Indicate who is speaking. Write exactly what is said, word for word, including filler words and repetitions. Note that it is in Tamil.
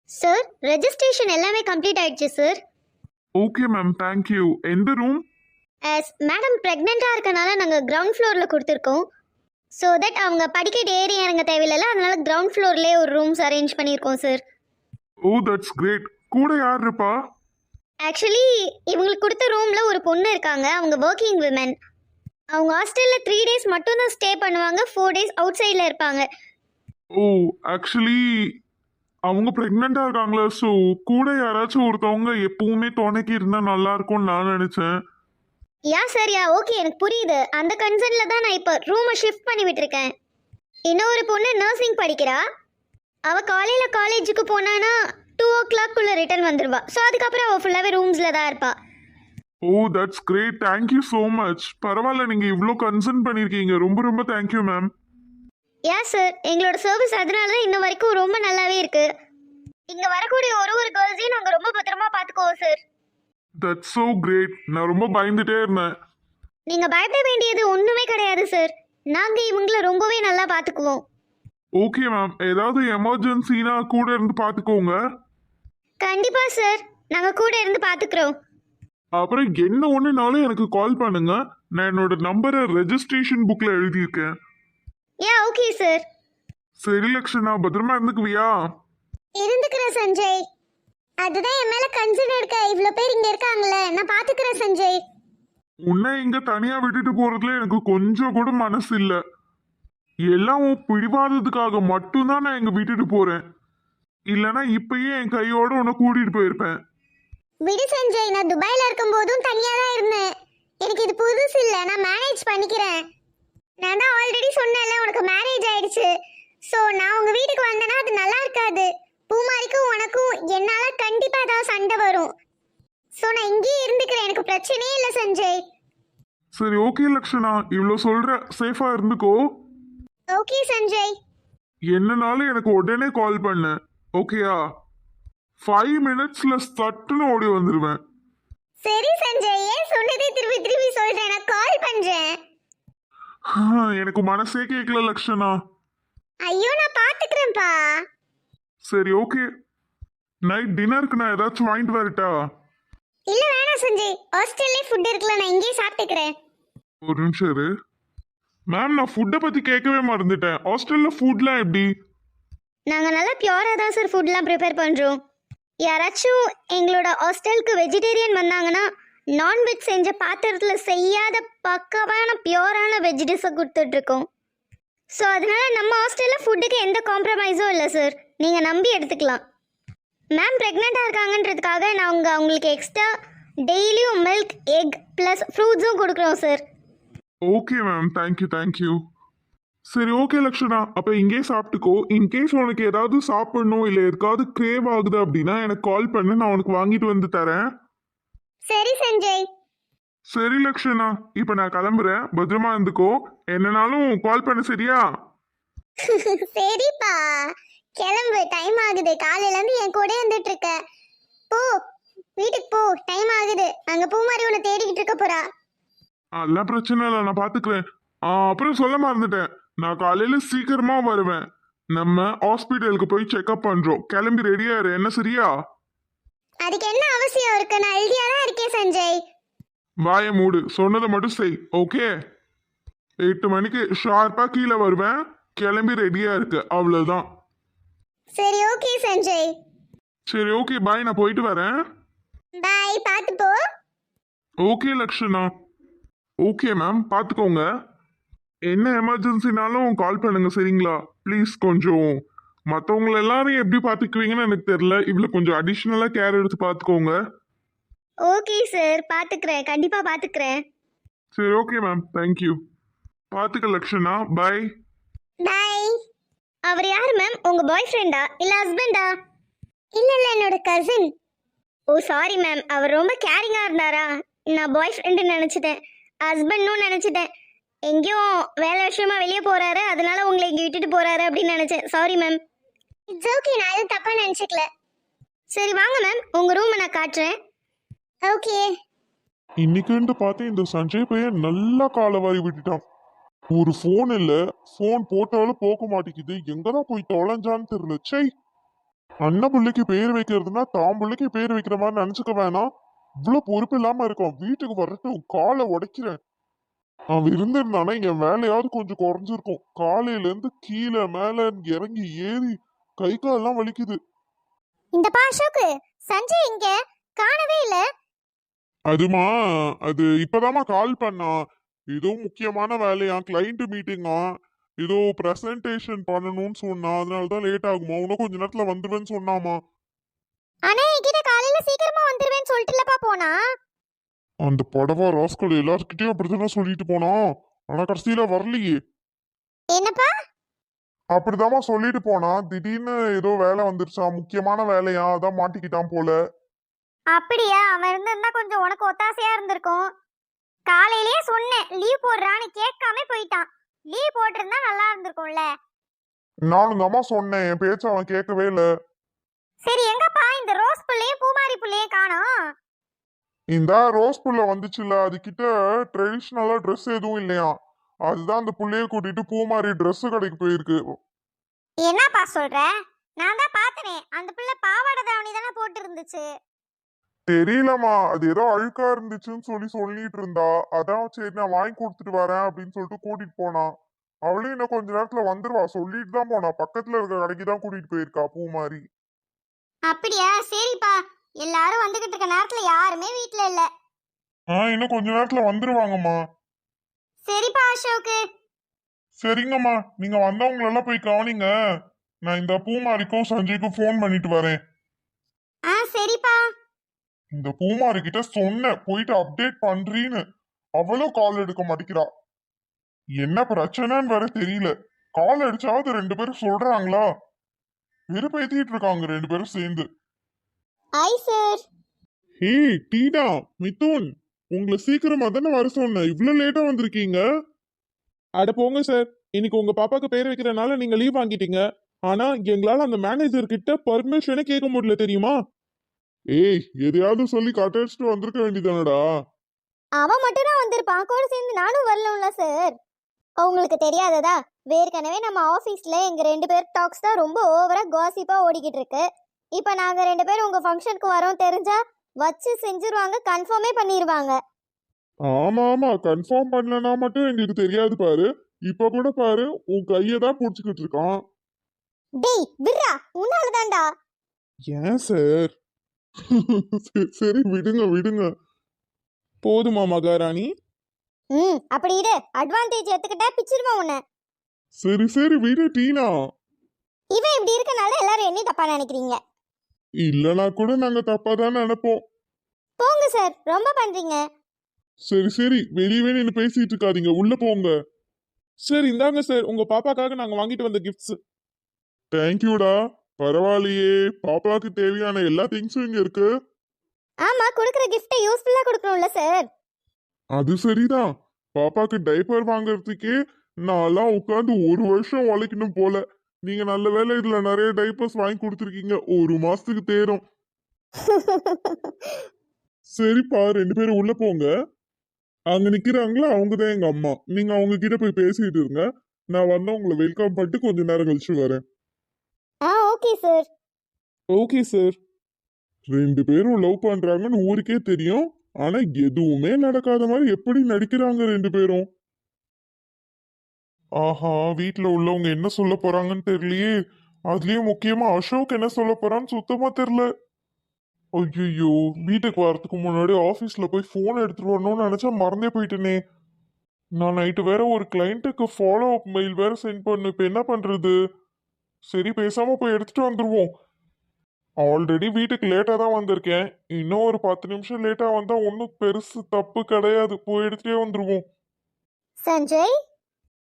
Speaker 1: சார் ரெஜிஸ்ட்ரேஷன் எல்லாமே கம்ப்ளீட் ஆயிடுச்சு சார்.
Speaker 2: Okay ma'am, thank you. எந்த ரூம்?
Speaker 1: ஆஸ் மேடம் ப்ரெக்னெண்ட்டாக இருக்கனால நாங்கள் கிரவுண்ட் ஃப்ளோரில் கொடுத்துருக்கோம். ஸோ தட் அவங்க படிக்கட்டு ஏறி இறங்க தேவையில்ல, அதனால கிரவுண்ட் ஃப்ளோர்லேயே ஒரு ரூம்ஸ் அரேஞ்ச் பண்ணியிருக்கோம் சார்.
Speaker 2: Oh that's great. கூட யார் இருப்பா?
Speaker 1: ஆக்சுவலி இவங்களுக்கு கொடுத்த ரூமில் ஒரு பொண்ணு இருக்காங்க, அவங்க ஒர்க்கிங் விமன். அவங்க ஹாஸ்டலில் த்ரீ டேஸ் மட்டும்தான் ஸ்டே பண்ணுவாங்க, ஃபோர் டேஸ் அவுட் சைடில் இருப்பாங்க.
Speaker 2: ஓ ஆக்சுவலி அவங்க ப்ரெக்னெண்ட்டாக இருக்காங்களா? ஸோ கூட யாராச்சும் ஒருத்தவங்க எப்பவுமே துணைக்கு இருந்தால் நல்லா இருக்கும்னு நான் நினச்சேன்.
Speaker 1: யா சார், யா ஓகே, எனக்கு புரியுது. அந்த கன்சர்னில் தான் நான் இப்போ ரூமை ஷிஃப்ட் பண்ணி விட்டுருக்கேன். இன்னொரு பொண்ணு நர்சிங் படிக்கிறா. அவள் காலையில் காலேஜுக்கு போனான்னா டூ ஓ கிளாக்குள்ளே ரிட்டர்ன் வந்துடுவா. ஸோ அதுக்கப்புறம் அவள் ஃபுல்லாகவே ரூம்ஸில் தான் இருப்பாள்.
Speaker 2: Oh that's great, thank you so much. பரவாயில்ல, நீங்கள் இவ்வளோ கன்சர்ன் பண்ணியிருக்கீங்க, ரொம்ப ரொம்ப தேங்க்யூ மேம்.
Speaker 1: யா சார், எங்களோட சர்வீஸ் அதனால தான் இன்ன வரைக்கும் ரொம்ப நல்லாவே இருக்கு. இங்கே வரக்கூடிய ஒரு ஒரு கேர்ள்ஸையும் நாங்கள் ரொம்ப பத்திரமா பார்த்துக்குவோம் சார்.
Speaker 2: That's so great. நான் ரொம்ப பயந்துட்டே இருந்தேன்.
Speaker 1: நீங்கள் பயப்பட வேண்டியது ஒன்றுமே கிடையாது சார். நாங்கள் இவங்கள ரொம்பவே நல்லா பார்த்துக்குவோம்.
Speaker 2: ஓகே மேம், ஏதாவது எமர்ஜென்சினா கூட இருந்து பார்த்துக்கோங்க.
Speaker 1: கண்டிப்பாக சார், நாங்கள் கூட இருந்து பார்த்துக்குறோம்.
Speaker 2: அப்புறம் என்ன ஒன்றுனாலும் எனக்கு கால் பண்ணுங்க. நான் என்னோட நம்பரை ரெஜிஸ்ட்ரேஷன் புக்கில் எழுதியிருக்கேன்.
Speaker 1: Yeah okay sir.
Speaker 2: சரி லக்ஷனா, பத்திரமா இருந்துக்குவியா?
Speaker 1: இருந்துக்கிறேன் சஞ்சய். அதுதான் என் மேலே கன்சர்ன் இருக்க. இவ்வளோ பேர் இங்கே இருக்காங்களே, நான் பார்த்துக்கிறேன் சஞ்சய்.
Speaker 2: உன்னை இங்க தனியா விட்டுட்டு போறதுல எனக்கு கொஞ்சம் கூட மனசு இல்ல. எல்லாம் உன் பிடிவாதத்துக்காக மட்டும்தான் நான் இங்க விட்டுட்டு போறேன். இல்லைன்னா இப்பயே என் கையோட உன்னை கூட்டிட்டு போயிருப்பேன்.
Speaker 1: விடு சஞ்சய், நான் துபாயில இருக்கும் போதும் தனியா தான் இருந்தேன். எனக்கு இது புதுசு இல்ல, நான் மேனேஜ் பண்ணிக்கிறேன். நான் தான் ஆல்ரெடி சொன்னேன்ல உனக்கு மேரேஜ் ஆயிடுச்சு. ஸோ நான் உங்க வீட்டுக்கு வந்தேன்னா அது நல்லா இருக்காது. பூமாரிக்கும் உனக்கும் என்னால கண்டிப்பா ஏதாவது சண்டை வரும். ஸோ நான் இங்கேயே இருந்துக்கிறேன், எனக்கு பிரச்சனையே இல்லை சஞ்சய்.
Speaker 2: சரி ஓகே லக்ஷனா, இவ்வளோ சொல்ற, சேஃபா இருந்துக்கோ.
Speaker 1: ஓகே சஞ்சய்.
Speaker 2: என்னனாலும் எனக்கு உடனே கால் பண்ணு, ஓகேயா? ஃபைவ் மினிட்ஸ்ல சட்டுன்னு ஓடி வந்துருவேன்.
Speaker 1: சரி சஞ்சய், ஏன் சொன்னதே திருப்பி திருப்பி சொல்றேன், நான் கால் பண்றேன்.
Speaker 2: எனக்கு மனசே கேட்கல லக்ஷனா.
Speaker 1: ஐயோ நான் பாத்துக்கிறேன்ப்பா.
Speaker 2: சரி ஓகே, நைட் டின்னருக்கு நான் ஏதாச்சும் வாங்கிட்டு வரட்டா?
Speaker 1: இல்ல வேணாம் சஞ்சய், ஹாஸ்டல்லே ஃபுட் இருக்குல்ல, நான் இங்கேயே சாப்பிட்டுக்கிறேன்.
Speaker 2: ஒரு நிமிஷம் இரு மேம், நான் ஃபுட்டை பத்தி கேட்கவே மறந்துட்டேன். ஹாஸ்டல்ல ஃபுட்லாம் எப்படி?
Speaker 1: நாங்கள் நல்லா பியூராக தான் சார் ஃபுட்லாம் ப்ரிப்பேர் பண்ணுறோம். யாராச்சும் எங்களோட ஹாஸ்டலுக்கு வெஜிடேரியன் வந்தாங்கன்னா நான்வெஜ் செஞ்ச பாத்திரத்தில் செய்யாத பக்காவான பியூரான வெஜ் டிஷ்ஷை கொடுத்துட்ருக்கோம். ஸோ அதனால நம்ம ஹாஸ்டலில் ஃபுட்டுக்கு எந்த காம்ப்ரமைஸும் இல்லை சார், நீங்கள் நம்பி எடுத்துக்கலாம். மேம் ப்ரெக்னெண்ட்டாக இருக்காங்கன்றதுக்காக நாங்கள் அவங்களுக்கு எக்ஸ்ட்ரா டெய்லியும் மில்க், எக் ப்ளஸ் ஃப்ரூட்ஸும் கொடுக்குறோம் sir.
Speaker 2: Okay ma'am, thank you thank you. சரி ஓகே லக்ஷனா, அப்போ இங்கே சாப்பிட்டுக்கோ. இன்கேஸ் உனக்கு ஏதாவது சாப்பிடணும் இல்லை எதுக்காவது கிரேவ் ஆகுது அப்படின்னா எனக்கு கால் பண்ணு, நான் உனக்கு வாங்கிட்டு வந்து தரேன்.
Speaker 1: சரி சஞ்சய்.
Speaker 2: சரி லக்ஷனா, இப்போ நான் கிளம்புறேன், பத்திரமா இருந்துக்கோ. என்னனாலும் கால் பண்ணு, சரியா?
Speaker 1: சரிப்பா, கிளம்பு, டைம் ஆகுது. காலையிலேருந்து என் கூட இருந்துட்டு இருக்க. போ வீட்டுக்கு போ, டைம் ஆகுது. அங்கே பூமாரி உன்னை தேடிக்கிட்டு இருக்க போறா.
Speaker 2: அதெல்லாம் பிரச்சனை இல்லை, நான் பார்த்துக்கிறேன். அப்புறம் சொல்ல மறந்துட்டேன், நான் காலையில் சீக்கிரமா வருவேன். நம்ம ஹாஸ்பிட்டலுக்கு போய் செக்அப் பண்ணுறோம். கிளம்பி ரெடியா இரு, என்ன சரியா?
Speaker 1: அதுக்கு என்ன அவசியம் இருக்கு, நான் ஹெல்தியா தான் இருக்கேன் சஞ்சய்.
Speaker 2: வாயை மூடு, சொன்னதை மட்டும் செய், ஓகே? எட்டு மணிக்கு ஷார்ப்பாக கீழே வருவேன். கிளம்பி ரெடியா இருக்கு, அவ்வளோதான்.
Speaker 1: சரி ஓகே சஞ்சய்.
Speaker 2: சரி ஓகே பாய், நான் போயிட்டு வரேன்.
Speaker 1: பாய், பார்த்து போ.
Speaker 2: ஓகே லக்ஷனா. ஓகே மேம், பார்த்துக்கோங்க. என்ன எமர்ஜென்சினாலும் கால் பண்ணுங்க, சரிங்களா? ப்ளீஸ் கொஞ்சம் மற்றவங்கள எல்லாரையும் எப்படி பார்த்துக்குவீங்கன்னு எனக்கு தெரியல, இவ்வளோ கொஞ்சம் அடிஷ்னலாக கேர் எடுத்து பார்த்துக்கோங்க.
Speaker 1: ஓகே சார், பார்த்துக்கிறேன், கண்டிப்பாக பார்த்துக்கிறேன்.
Speaker 2: சரி ஓகே மேம், தேங்க்யூ. பார்த்துக்க லக்ஷனா, பாய்.
Speaker 1: பாய். அவர் யார் மேம், உங்கள் பாய் ஃப்ரெண்டா இல்லை ஹஸ்பண்டா? இல்லை இல்லை, என்னோட கசின். ஓ சாரி மேம், அவர் ரொம்ப கேரிங்காக இருந்தாரா? நான் பாய் ஃப்ரெண்டுன்னு நினச்சிட்டேன், ஹஸ்பண்டும் நினச்சிட்டேன். எங்கேயும் வேலை விஷயமா வெளியே போகிறாரு, அதனால உங்களை இங்கே விட்டுட்டு போகிறாரு அப்படின்னு நினச்சேன். Sorry ma'am. இட்ஸ் ஓகே, நான் எதுவும் தப்பாக நினச்சிக்கல. சரி வாங்க மேம், உங்கள் ரூமை நான் காட்டுறேன். ஓகே.
Speaker 2: இன்னைக்குன்ட்டு பார்த்து இந்த சஞ்சய் பையன் நல்லா காலை வாரி விட்டுட்டான். ஒரு ஃபோன் இல்லை, ஃபோன் போட்டாலும் போக மாட்டேங்குது. எங்கதான் போய் தொலைஞ்சான்னு தெரியல. சை. அண்ணன் பிள்ளைக்கு பேர் வைக்கிறதுனா தான் பிள்ளைக்கு பேர் வைக்கிற மாதிரி நினைச்சுக்க வேணாம். இவ்வளவு பொறுப்பு இல்லாம இருக்கும். வீட்டுக்கு வரட்டும், காலை உடைக்கிறேன். அவன் இருந்திருந்தானா இங்க வேலையாவது கொஞ்சம் குறைஞ்சிருக்கும். காலையில இருந்து கீழே மேல இறங்கி ஏறி கை காலெல்லாம் வலிக்குது.
Speaker 1: இந்த பா அசோக்கு, சஞ்சய் இங்க காணவே இல்ல.
Speaker 2: அதுமா, அது இப்பதாம்மா கால் பண்ணா. ஏதோ முக்கியமான வேலையா, கிளைண்ட் மீட்டிங்கா, ஏதோ பிரசன்டேஷன் பண்ணணும்னு சொன்னா, அதனாலதான் லேட் ஆகுமா. இன்னும் கொஞ்ச நேரத்துல வந்துருவேன்னு சொன்னாமா.
Speaker 1: ஆனா என்கிட்ட காலையில சீக்கிரமா வந்துருவேன்னு சொல்லிட்டுலப்பா போனா.
Speaker 2: அந்த படவா ராஸ்கல் எல்லார்கிட்டயும் அப்படித்தானே சொல்லிட்டு போனா. ஆனா கடைசியில வரலையே.
Speaker 1: என்னப்பா?
Speaker 2: அப்படிதாம்மா சொல்லிட்டு போனா. திடீர்னு ஏதோ வேலை வந்துருச்சா, முக்கியமான வேலையா, அதான் மாட்டிக்கிட்டான் போல.
Speaker 1: அப்படியா? அவன் இருந்திருந்தா கொஞ்சம் உனக்கு ஒத்தாசையா இருந்திருக்கும். காலையிலேயே சொன்னேன் லீவ் போடுறான்னு, கேட்காம போயிட்டான். லீவ் போட்டிருந்தா நல்லா இருந்திருக்கும்ல.
Speaker 2: நானும் தாம்மா சொன்னேன், என் பேச்ச அவன் கேட்கவே இல்ல.
Speaker 1: சரி எங்கப்பா இந்த ரோஸ் புள்ளையும் பூமாரி புள்ளையும் காணோம்?
Speaker 2: இந்த ரோஸ் புள்ள வந்துச்சுல, அது கிட்ட ட்ரெடிஷ்னலா ட்ரெஸ் எதுவும் இல்லையா. அதுதான் அந்த புள்ளைய கூட்டிட்டு பூமாரி ட்ரெஸ் கடைக்கு போயிருக்கு.
Speaker 1: என்னப்பா சொல்ற? நான் தான் பார்த்தனே, அந்த பிள்ளை பாவாடை தாவணி தானே போட்டு இருந்துச்சு.
Speaker 2: தெரியலம்மா, அது ஏதோ அழுக்கா இருந்துச்சுன்னு சொல்லி சொல்லிட்டு இருந்தா. அதான் சரி நான் வாங்கி கொடுத்துட்டு வரேன் அப்படின்னு சொல்லிட்டு கூட்டிட்டு போனா. அவளும் இன்னும் கொஞ்ச நேரத்துல வந்துருவா, சொல்லிட்டு தான் போனா. பக்கத்துல இருக்க கடைக்கு தான் கூட்டிட்டு போயிருக்கா பூமாரி.
Speaker 1: அப்படியா? சரிப்பா. எல்லாரும் வந்துகிட்டு இருக்க நேரத்துல யாருமே வீட்ல இல்ல.
Speaker 2: ஆஹ் இன்னும் கொஞ்ச நேரத்துல வந்துருவாங்கம்மா.
Speaker 1: சரிப்பா அசோக்கு.
Speaker 2: சரிங்கம்மா, நீங்க வந்தவங்களெல்லாம் போய் கவனிங்க. நான் இந்த பூமாரிக்கும் சஞ்சய்க்கும் ஃபோன் பண்ணிட்டு வரேன்.
Speaker 1: ஆ சரிப்பா.
Speaker 2: இந்த பூமாரி கிட்ட சொன்னேன் போயிட்டு அப்டேட் பண்றீன்னு. அவளும் கால் எடுக்க மாட்டேங்கிறா. என்ன பிரச்சனைன்னு வேற தெரியல. கால் அடிச்சாவது ரெண்டு பேரும் சொல்றாங்களா? வெறுப்பேத்திட்டு இருக்காங்க ரெண்டு பேரும் சேர்ந்து.
Speaker 1: ஐ சார்.
Speaker 2: ஹே டீனா, மிதுன், உங்களை சீக்கிரமா தானே வர சொன்னேன், இவ்வளவு லேட்டா வந்திருக்கீங்க. அட போங்க சார், இன்னைக்கு உங்க பாப்பாக்கு பேர் வைக்கிறனால நீங்க லீவ் வாங்கிட்டீங்க. ஆனா எங்களால அந்த மேனேஜர் கிட்ட பர்மிஷனே கேட்க முடியல தெரியுமா? ஏய், எதையாவது சொல்லி கட்டடிச்சுட்டு வந்திருக்க வேண்டியதானடா.
Speaker 1: அவன் மட்டும் தான் வந்திருப்பான், கூட சேர்ந்து நானும் வரணும்ல சார். உங்களுக்கு தெரியாததா? ஏற்கனவே நம்ம ஆஃபீஸ்ல எங்க ரெண்டு பேர் டாக்ஸ் தான் ரொம்ப ஓவரா காசிப்பா ஓடிக்கிட்டு இருக்கு. இப்போ நாங்க ரெண்டு பேரும் உங்க ஃபங்க்ஷனுக்கு வரோம் தெரிஞ்சா வச்சு செஞ்சிருவாங்க, கன்ஃபார்மே பண்ணிடுவாங்க.
Speaker 2: ஆமா ஆமா, கன்ஃபார்ம் பண்ணலனா மட்டும் எங்களுக்கு தெரியாது பாரு. இப்ப கூட பாரு, உன் கையை தான் புடிச்சுக்கிட்டு இருக்கான்.
Speaker 1: டேய் விர்ரா, உன்னால தான்டா.
Speaker 2: ஏன் சார்? சரி விடுங்க விடுங்க. போதுமா மகாராணி?
Speaker 1: ம் அப்படி இரு, அட்வான்டேஜ் எடுத்துக்கிட்டா பிச்சிருவான் உன்னை.
Speaker 2: சரி சரி விடு டீனா.
Speaker 1: இவன் இப்படி இருக்கனால எல்லாரும் என்ன தப்பா நினைக்கிறீங்க?
Speaker 2: இல்லனா கூட நாங்க தப்பா தான் நினைப்போம்.
Speaker 1: போங்க சார், ரொம்ப பண்றீங்க.
Speaker 2: சரி சரி, வெளியவே நின்று பேசிட்டு இருக்காதீங்க, உள்ள போங்க. சரி இந்தாங்க சார், உங்க பாப்பாக்காக நாங்க வாங்கிட்டு வந்த கிஃப்ட்ஸ். தேங்க்யூடா. பரவாயில்லையே, பாப்பாக்கு தேவையான எல்லா திங்ஸும் இங்க இருக்கு.
Speaker 1: ஆமா, கொடுக்குற கிஃப்ட்டை யூஸ்ஃபுல்லா கொடுக்கணும்ல சார்.
Speaker 2: அது சரிதான். பாப்பாக்கு டைப்பர் வாங்குறதுக்கே நான்லாம் உட்காந்து ஒரு வருஷம் உழைக்கணும் போல. நீங்க நல்ல வேளை இதுல நிறைய டைப்பர்ஸ் வாங்கி கொடுத்துருக்கீங்க, ஒரு மாசத்துக்கு தேரும். சரிப்பா, ரெண்டு பேரும் உள்ள போங்க. அங்க நிக்கிறாங்களா, அவங்கதான் எங்க அம்மா. நீங்க அவங்க கிட்ட போய் பேசிட்டு இருங்க. நான் வந்து உங்களை வெல்கம் பண்ணிட்டு கொஞ்ச நேரம் கழிச்சு வரேன்.
Speaker 1: ஆ ஓகே சார்.
Speaker 2: Okay sir. ரெண்டு பேரும் லவ் பண்றாங்கன்னு ஊருக்கே தெரியும். ஆனா எதுவுமே நடக்காத மாதிரி எப்படி நடிக்கிறாங்க ரெண்டு பேரும். ஆஹா, வீட்டுல உள்ளவங்க என்ன சொல்ல போறாங்கன்னு தெரியலையே. அதுலயும் முக்கியமா அசோக் என்ன சொல்ல போறான்னு சுத்தமா தெரியல. ஐயோ, வீட்டுக்கு வரதுக்கு முன்னாடி ஆபீஸ்ல போய் போன் எடுத்துட்டு வரணும்னு நினைச்சா மறந்தே போயிட்டேனே. நான் நைட்டு வேற ஒரு கிளைண்ட்டுக்கு ஃபாலோ அப் மெயில் வேற சென்ட் பண்ணு. இப்ப என்ன பண்றது? சரி பேசாம போய் எடுத்துட்டு வந்துருவோம். ஆல்ரெடி வீட்டுக்கு லேட்டா தான் வந்திருக்கேன். இன்னும் ஒரு பத்து நிமிஷம் லேட்டா வந்தா ஒன்றும் பெருசு தப்பு கிடையாது. போய் எடுத்துட்டே வந்துருவோம்.
Speaker 1: சஞ்சய்,